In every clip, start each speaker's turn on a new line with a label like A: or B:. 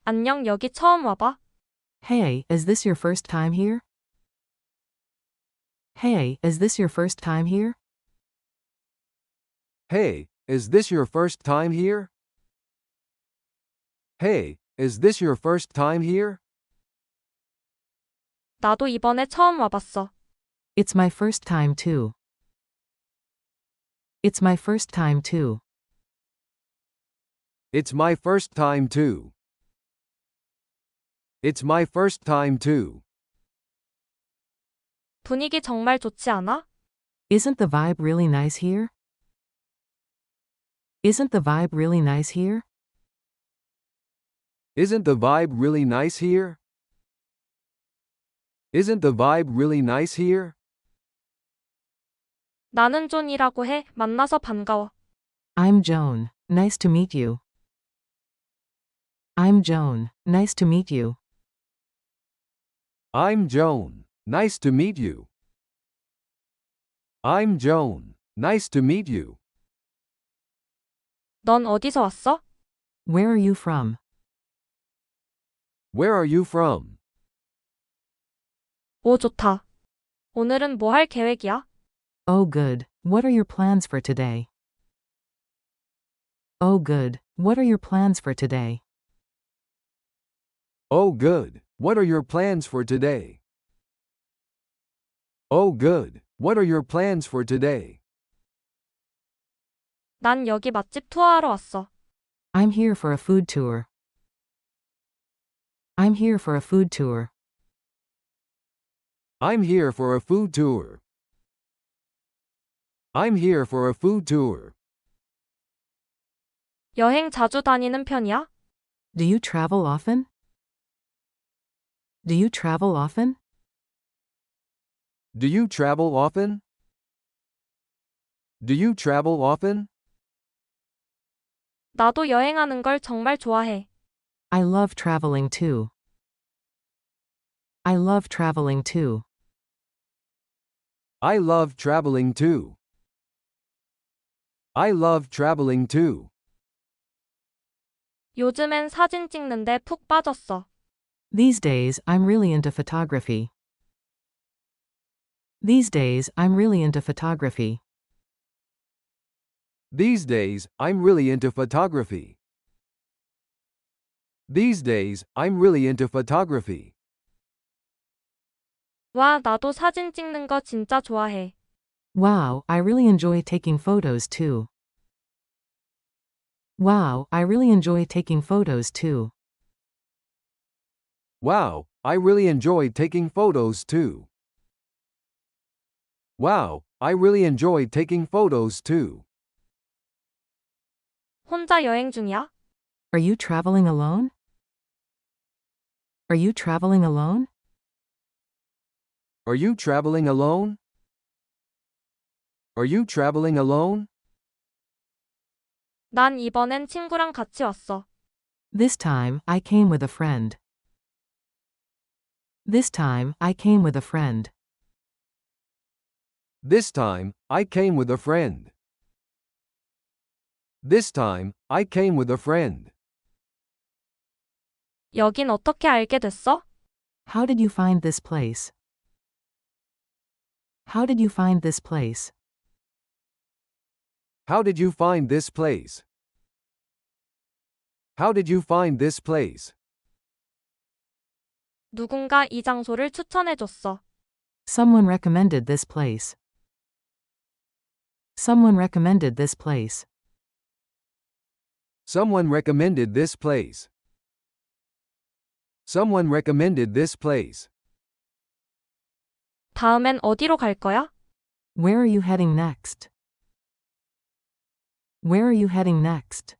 A: 안녕, 여기 처음 와봐?
B: Hey, is this your first time here? Hey, is this your first time here?
C: Hey, is this your first time here? Hey, is this your first time here?
A: 나도 이번에 처음 와봤어.
B: It's my first time too. It's my first time too.
C: It's my first time too. It's my first time too.
A: 분위기 정말 좋지 않아?
B: Isn't the vibe really nice here? Isn't the vibe really nice here?
C: Isn't the vibe really nice here? Isn't the vibe really nice here?
A: 나는 존이라고 해. 만나서 반가워.
B: I'm Joan. Nice to meet you. I'm Joan. Nice to meet you.
C: I'm Joan. Nice to meet you. I'm Joan. Nice to meet you.
A: 넌 어디서 왔어?
B: Where are you from?
C: Where are you from?
A: 오, 좋다. 오늘은 뭐 할 계획이야?
B: Oh good. What are your plans for today? Oh good. What are your plans for today?
C: Oh good. What are your plans for today? Oh good. What are your plans for today?
A: 난 여기 맛집 투어하러 왔어.
B: I'm here for a food tour. I'm here for a food tour.
C: I'm here for a food tour. I'm here for a food tour.
A: 여행 자주 다니는 편이야?
B: Do you travel often? Do you travel often?
C: Do you travel often? Do you travel often?
A: 나도 여행하는 걸 정말 좋아해.
B: I love traveling too. I love traveling too.
C: I love traveling too. I love traveling too.
A: 요즘엔 사진 찍는데 푹 빠졌어.
B: These days, I'm really into photography. These days, I'm really into photography.
C: These days, I'm really into photography. These days, I'm really into photography.
A: 와, 나도 사진 찍는 거 진짜 좋아해.
B: Wow, I really enjoy taking photos too. Wow, I really enjoy taking photos too.
C: Wow, I really enjoy taking photos too. Wow, I really enjoy taking photos too.
A: 혼자 여행 중이야?
B: Are you traveling alone? Are you traveling alone?
C: Are you traveling alone? Are you traveling alone?
A: 난 이번엔 친구랑 같이 왔어.
B: This time, I came with a friend. This time, I came with a friend.
C: This time, I came with a friend. This time, I came with a friend.
A: 여긴 어떻게 알게 됐어?
B: How did you find this place? How did you find this place?
C: How did you find this place? How did you find this place?
A: 누군가 이 장소를 추천해줬어.
B: Someone recommended this place. Someone recommended this place.
C: Someone recommended this place. Someone recommended this place.
A: 다음엔 어디로 갈 거야?
B: Where are you heading next? Where are you heading next?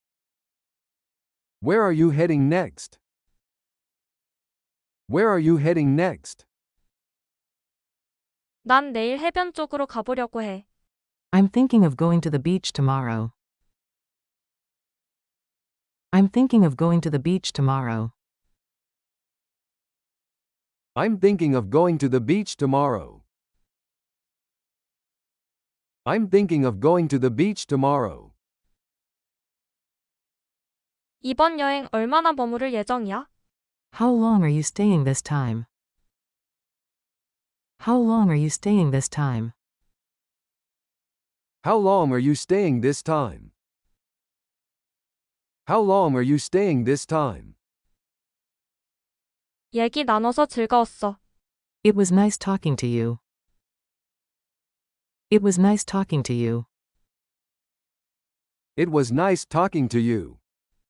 C: Where are you heading next? Where are you heading next?
A: 난 내일 해변 쪽으로 가보려고 해.
B: I'm thinking of going to the beach tomorrow. I'm thinking of going to the beach tomorrow.
C: I'm thinking of going to the beach tomorrow. I'm thinking of going to the beach tomorrow.
A: 이번 여행 얼마나 머무를 예정이야?
B: How long are you staying this time? How long are you staying this time?
C: How long are you staying this time? How long are you staying this time?
A: 얘기 나눠서 즐거웠어.
B: It was nice talking to you. It was nice talking to you.
C: It was nice talking to you.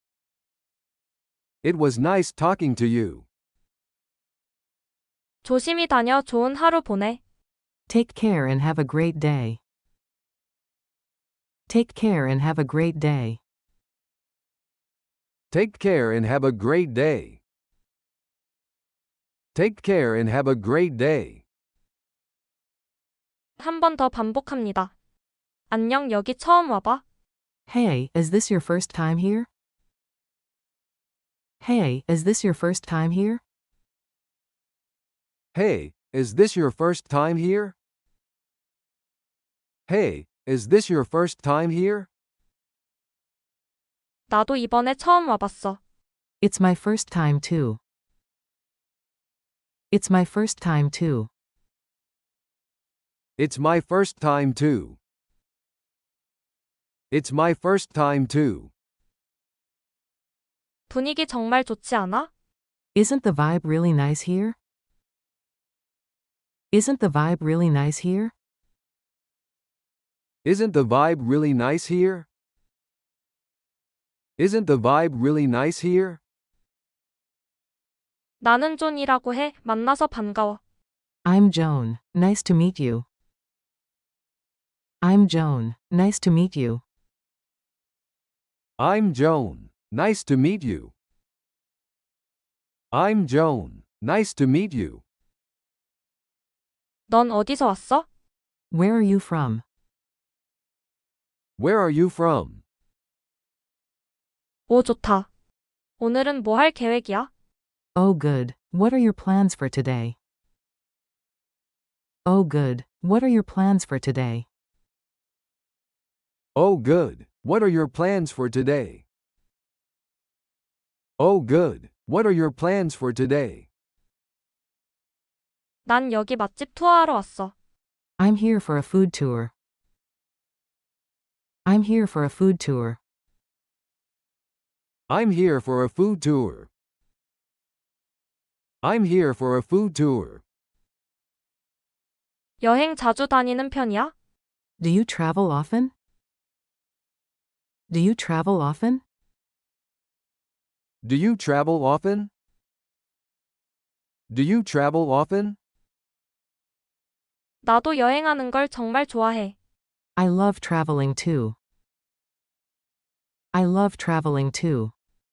C: It was nice talking to you.
A: 조심히 다녀 좋은 하루 보내.
B: Take care and have a great day. Take care and have a great day.
C: Take care and have a great day. Take care and have a great day.
A: 한 번 더 반복합니다. 안녕, 여기 처음 와봐.
B: Hey, is this your first time here? Hey, is this your first time here?
C: Hey, is this your first time here? Hey, is this your first time here?
A: 나도 이번에 처음 와봤어.
B: It's my first time too. It's my first time too.
C: It's my first time too. It's my first time too.
A: 분위기 정말 좋지 않아?
B: Isn't the vibe really nice here? Isn't the vibe really nice here?
C: Isn't the vibe really nice here? Isn't the vibe really nice here?
A: 나는 존이라고 해. 만나서 반가워.
B: I'm Joan. Nice to meet you. I'm Joan. Nice to meet you.
C: I'm Joan. Nice to meet you. I'm Joan. Nice to meet you.
A: 넌 어디서 왔어?
B: Where are you from?
C: Where are you from?
A: 오, 좋다. 오늘은 뭐 할 계획이야?
B: Oh good. What are your plans for today? Oh good. What are your plans for today?
C: Oh, good. What are your plans for today? Oh, good. What are your plans for today?
A: 난 여기 맛집 투어하러 왔어.
B: I'm here for a food tour. I'm here for a food tour.
C: I'm here for a food tour. I'm here for a food tour.
A: 여행 자주 다니는 편이야?
B: Do you travel often? Do you travel often?
C: Do you travel often? Do you travel often?
A: 나도 여행하는 걸 정말 좋아해.
B: I love traveling too. I love traveling too.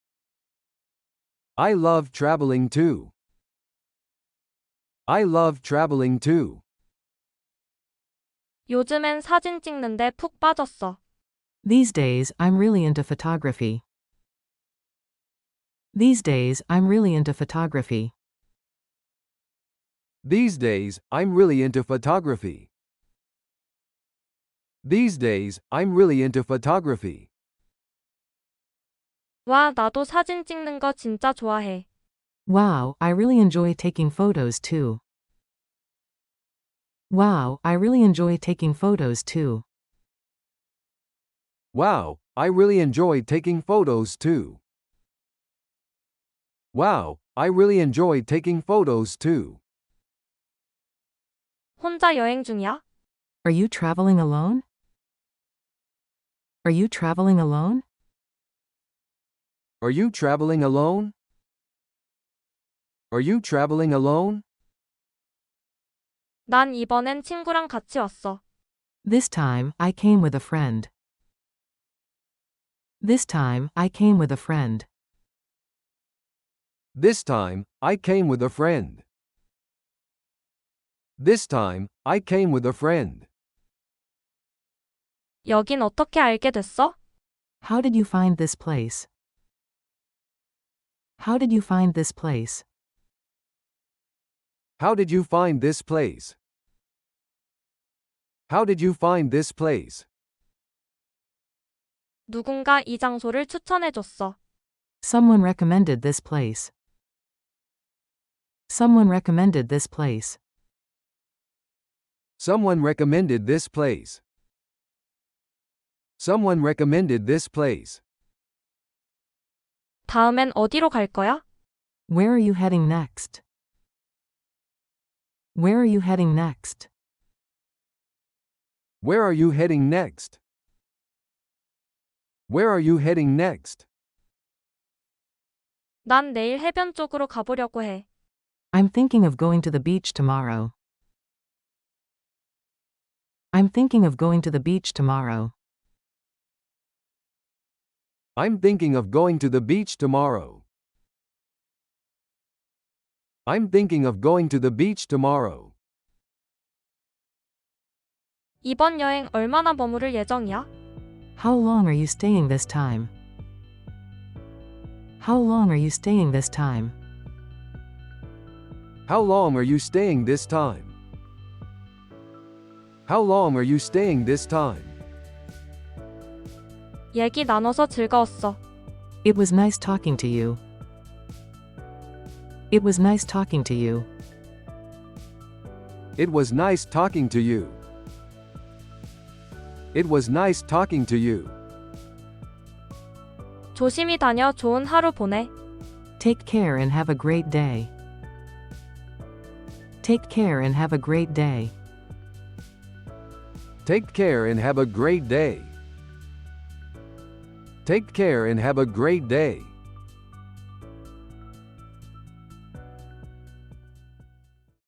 C: I love traveling too. I love traveling too.
A: 요즘엔 사진 찍는데 푹 빠졌어.
B: These days, I'm really into photography. These days, I'm really into photography.
C: These days, I'm really into photography. These days, I'm really into photography.
A: 와, 나도 사진 찍는 거 진짜 좋아해.
B: Wow, I really enjoy taking photos too. Wow, I really enjoy taking photos too.
C: Wow, I really enjoy taking photos too. Wow, I really enjoy taking photos too.
A: 혼자 여행 중이야?
B: Are you traveling alone? Are you traveling alone?
C: Are you traveling alone? Are you traveling alone?
A: 난 이번엔 친구랑 같이 왔어.
B: This time, I came with a friend. This time, I came with a friend.
C: This time, I came with a friend. This time, I came with a friend.
A: 여긴 어떻게 알게 됐어?
B: How did you find this place? How did you find this place?
C: How did you find this place? How did you find this place?
A: 누군가 이 장소를 추천해줬어.
B: Someone recommended this place. Someone recommended this place.
C: Someone recommended this place. Someone recommended this place.
A: 다음엔 어디로 갈 거야?
B: Where are you heading next? Where are you heading next?
C: Where are you heading next? Where are you heading next?
A: 난 내일 해변 쪽으로 가보려고 해.
B: I'm thinking of going to the beach tomorrow. I'm thinking of going to the beach tomorrow.
C: I'm thinking of going to the beach tomorrow. I'm thinking of going to the beach tomorrow.
A: 이번 여행 얼마나 머무를 예정이야?
B: How long are you staying this time? How long are you staying this time?
C: How long are you staying this time? How long are you staying this time?
A: 얘기 나눠서 즐거웠어.
B: It was nice talking to you. It was nice talking to you.
C: It was nice talking to you. It was nice talking to you.
A: 조심히 다녀 좋은 하루 보내.
B: Take care and have a great day. Take care and have a great day.
C: Take care and have a great day. Take care and have a great day.